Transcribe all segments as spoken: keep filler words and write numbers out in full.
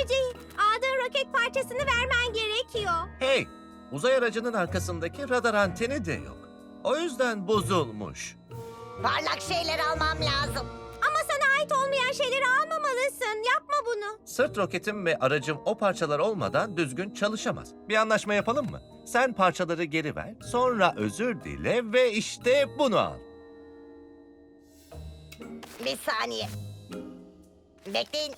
önemli değil. Aldığın roket parçasını vermen gerekiyor. Hey, uzay aracının arkasındaki radar anteni de yok. O yüzden bozulmuş. Parlak şeyler almam lazım. Ama sana ait olmayan şeyleri almamalısın. Yapma bunu. Sırt roketim ve aracım o parçalar olmadan düzgün çalışamaz. Bir anlaşma yapalım mı? Sen parçaları geri ver, sonra özür dile ve işte bunu al. Bir saniye. Bekleyin.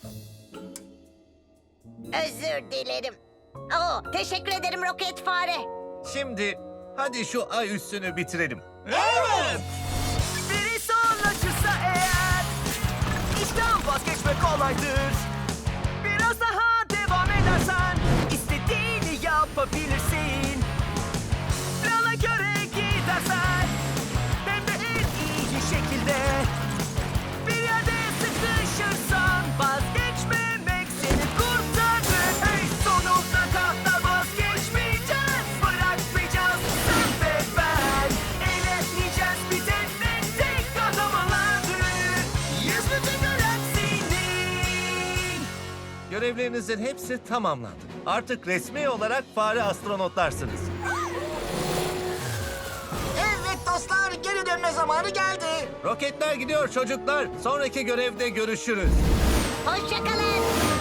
Özür dilerim. Oo, teşekkür ederim roket fare. Şimdi hadi şu ay üstünü bitirelim. Evet! Biri sonlaşırsa eğer işten vazgeçme kolaydır. Biraz daha devam edersen istediğini yapabilirsin. Plana göre gidersen hem de en iyi şekilde. Bir yerde sıkışırsan vazgeçmemek seni kurtarır. Hey, sonuna kadar vazgeçmeyeceğiz, bırakmayacağız sen ve ben. Eğlenmeyeceğiz bir tek tek kahramanlardır. Yüz bütün galaksinin. Görevlerinizin hepsi tamamlandı. Artık resmi olarak fare astronotlarsınız. Evet dostlar, geri dönme zamanı geldi. Roketler gidiyor çocuklar. Sonraki görevde görüşürüz. Hoşçakalın.